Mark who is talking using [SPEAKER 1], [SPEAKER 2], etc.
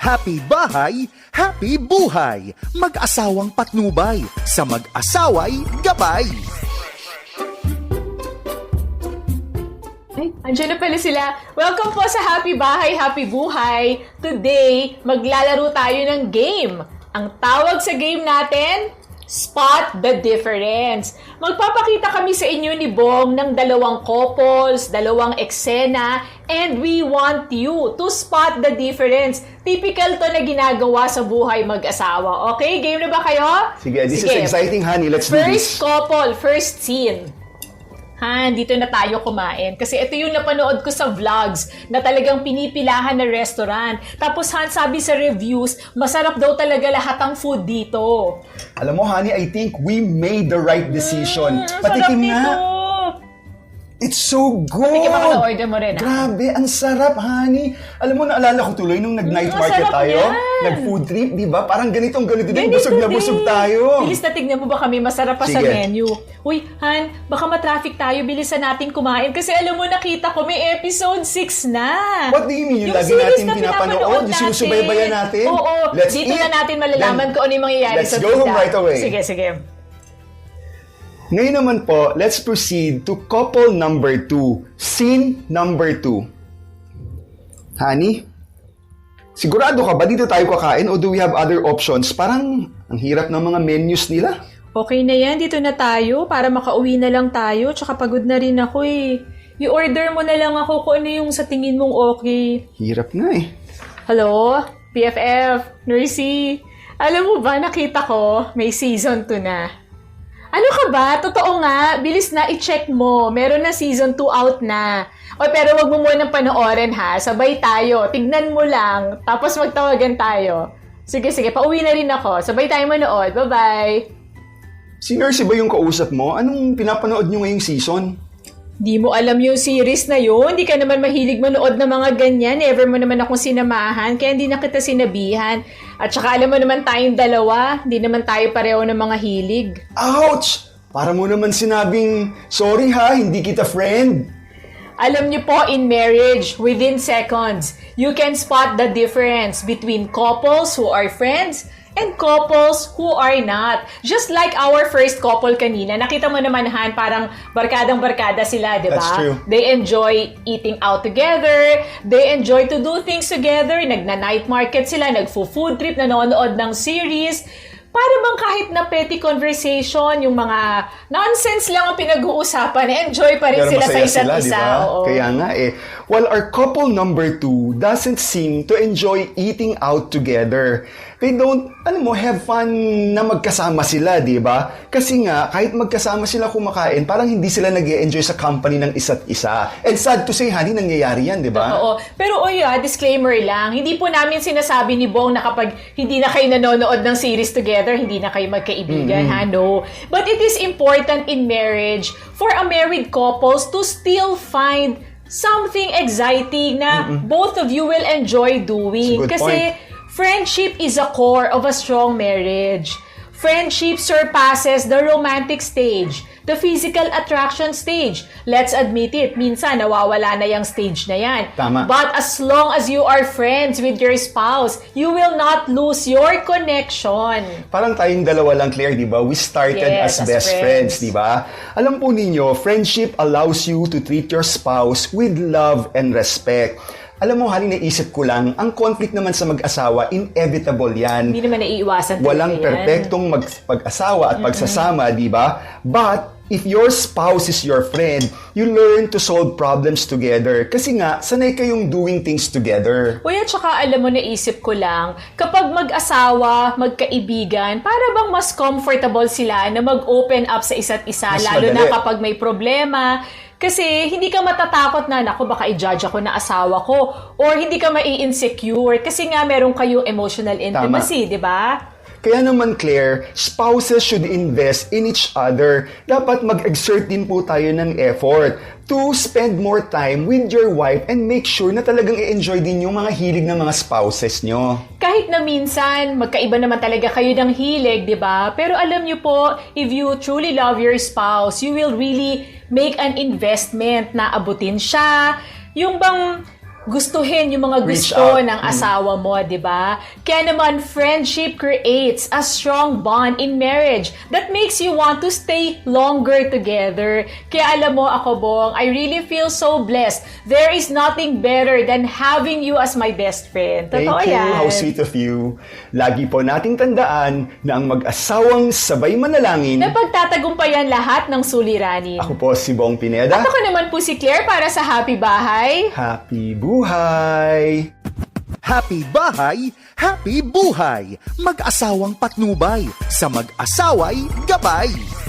[SPEAKER 1] Happy bahay, happy buhay. Mag-asawang patnubay, sa mag-asaway gabay.
[SPEAKER 2] Ay, andyan na pala sila. Welcome po sa Happy Bahay, Happy Buhay. Today, maglalaro tayo ng game. Ang tawag sa game natin, Spot the Difference. Magpapakita kami sa inyo ni Bong ng dalawang couples, dalawang eksena, and we want you to spot the difference. Typical to na ginagawa sa buhay mag-asawa. Okay? Game na ba kayo?
[SPEAKER 3] Sige, this is exciting, honey. Let's do
[SPEAKER 2] First
[SPEAKER 3] this.
[SPEAKER 2] couple, first scene. Dito na tayo kumain. Kasi ito yung napanood ko sa vlogs na talagang pinipilahan na restaurant. Tapos sabi sa reviews, masarap daw talaga lahat ng food dito.
[SPEAKER 3] Alam mo, honey, I think we made the right decision. Patikim na. It's so good!
[SPEAKER 2] Patikim ako na order mo rin.
[SPEAKER 3] Grabe, ang sarap, honey. Alam mo, naalala ko tuloy nung nag-night market tayo. Nag-food trip, di ba? Parang ganito din. Busog na busog tayo.
[SPEAKER 2] Bilis na tignan mo ba kami? Masarap pa sa menu. Uy, Han, baka matraffic tayo. Bilisan natin kumain. Kasi alam mo, nakita ko may episode 6 na.
[SPEAKER 3] What do you mean? Yung lagi natin pinapanood? Yung sinusubaybayan natin?
[SPEAKER 2] Oo. Dito na natin malalaman kung ano yung mangyayari sa
[SPEAKER 3] Let's go home right away.
[SPEAKER 2] Sige.
[SPEAKER 3] Ngayon naman po, let's proceed to couple number 2. Scene number 2. Honey, sigurado ka ba dito tayo kakain o do we have other options? Parang ang hirap ng mga menus nila.
[SPEAKER 2] Okay na yan, dito na tayo para makauwi na lang tayo. Tsaka pagod na rin ako eh. I-order mo na lang ako kung ano yung sa tingin mong okay.
[SPEAKER 3] Hirap nga eh.
[SPEAKER 2] Hello? PFF? Nursey? Alam mo ba, nakita ko, may season 2 na. Ano ka ba? Totoo nga. Bilis na, i-check mo. Meron na season 2 out na. O, pero wag mo munang panoorin ha. Sabay tayo. Tignan mo lang. Tapos magtawagan tayo. Sige, pauwi na rin ako. Sabay tayo manood. Bye-bye.
[SPEAKER 3] Si Nursey ba yung kausap mo? Anong pinapanood nyo ngayong season?
[SPEAKER 2] Di mo alam yung series na yun. Di ka naman mahilig manood ng mga ganyan. Never mo naman akong sinamahan. Kaya hindi na kita sinabihan. At saka alam mo naman tayong dalawa. Hindi naman tayo pareho ng mga hilig.
[SPEAKER 3] Ouch! Para mo naman sinabing, sorry ha, hindi kita friend.
[SPEAKER 2] Alam niyo po, in marriage, within seconds, you can spot the difference between couples who are friends and couples who are not. Just like our first couple kanina, nakita mo naman, Han, parang barkadang-barkada sila, di ba?
[SPEAKER 3] That's true.
[SPEAKER 2] They enjoy eating out together, they enjoy to do things together, nagna-night market sila, nagfo-food trip, nanonood ng series. Para bang kahit na petty conversation, yung mga nonsense lang ang pinag-uusapan, enjoy pa rin
[SPEAKER 3] Pero
[SPEAKER 2] sila sa
[SPEAKER 3] masaya
[SPEAKER 2] isa't
[SPEAKER 3] sila,
[SPEAKER 2] isa.
[SPEAKER 3] diba?
[SPEAKER 2] Oo.
[SPEAKER 3] Kaya nga eh. While our couple number 2 doesn't seem to enjoy eating out together. They don't, have fun na magkasama sila, di ba? Kasi nga, kahit magkasama sila kumakain, parang hindi sila nag-e-enjoy sa company ng isa't isa. And sad to say, honey, nangyayari yan, di ba?
[SPEAKER 2] Oo. Pero disclaimer lang, hindi po namin sinasabi ni Bong na kapag hindi na kayo nanonood ng series together, hindi na kayo magkaibigan, ha? No. But it is important in marriage for a married couples to still find something exciting na both of you will enjoy doing.
[SPEAKER 3] That's a good
[SPEAKER 2] Kasi
[SPEAKER 3] point.
[SPEAKER 2] Friendship is a core of a strong marriage. Friendship surpasses the romantic stage, the physical attraction stage. Let's admit it, minsan nawawala na yung stage na yan.
[SPEAKER 3] Tama.
[SPEAKER 2] But as long as you are friends with your spouse, you will not lose your connection.
[SPEAKER 3] Parang tayong dalawa lang, Claire, di ba? We started
[SPEAKER 2] Yes,
[SPEAKER 3] as
[SPEAKER 2] as
[SPEAKER 3] best
[SPEAKER 2] friends.
[SPEAKER 3] friends, di ba? Alam po ninyo, friendship allows you to treat your spouse with love and respect. Alam mo, Hali, naisip ko lang, ang conflict naman sa mag-asawa, inevitable yan.
[SPEAKER 2] Hindi naman naiiwasan talaga
[SPEAKER 3] Walang
[SPEAKER 2] yan.
[SPEAKER 3] perpektong pag-asawa at pagsasama, di ba? But, if your spouse is your friend, you learn to solve problems together. Kasi nga, sanay kayong doing things together.
[SPEAKER 2] Uy, at saka alam mo, naisip ko lang, kapag mag-asawa, magkaibigan, para bang mas comfortable sila na mag-open up sa isa't isa,
[SPEAKER 3] Mas
[SPEAKER 2] lalo na
[SPEAKER 3] madali.
[SPEAKER 2] kapag may problema. Kasi hindi ka matatakot na, naku, baka i-judge ako na asawa ko. Or hindi ka mai-insecure kasi nga meron kayong emotional intimacy, di ba?
[SPEAKER 3] Kaya naman, Claire, spouses should invest in each other. Dapat mag-exert din po tayo ng effort to spend more time with your wife and make sure na talagang i-enjoy din yung mga hilig ng mga spouses nyo.
[SPEAKER 2] Kahit na minsan, magkaiba naman talaga kayo ng hilig, di ba? Pero alam niyo po, if you truly love your spouse, you will really make an investment na abutin siya. Yung bang gustuhin yung mga
[SPEAKER 3] Reach
[SPEAKER 2] gusto
[SPEAKER 3] out.
[SPEAKER 2] ng asawa mo, di ba? Kaya naman, friendship creates a strong bond in marriage that makes you want to stay longer together. Kaya alam mo, ako, Bong, I really feel so blessed. There is nothing better than having you as my best friend. Totoo
[SPEAKER 3] Thank you.
[SPEAKER 2] yan.
[SPEAKER 3] How sweet of you. Lagi po nating tandaan na ang mag-asawang sabay manalangin.
[SPEAKER 2] Na pagtatagumpayan lahat ng suliranin.
[SPEAKER 3] Ako po si Bong Pineda.
[SPEAKER 2] At ako naman po si Claire para sa Happy Bahay.
[SPEAKER 3] Happy buhay!
[SPEAKER 1] Happy bahay, happy buhay. Mag-asawang patnubay, sa mag-asaway gabay.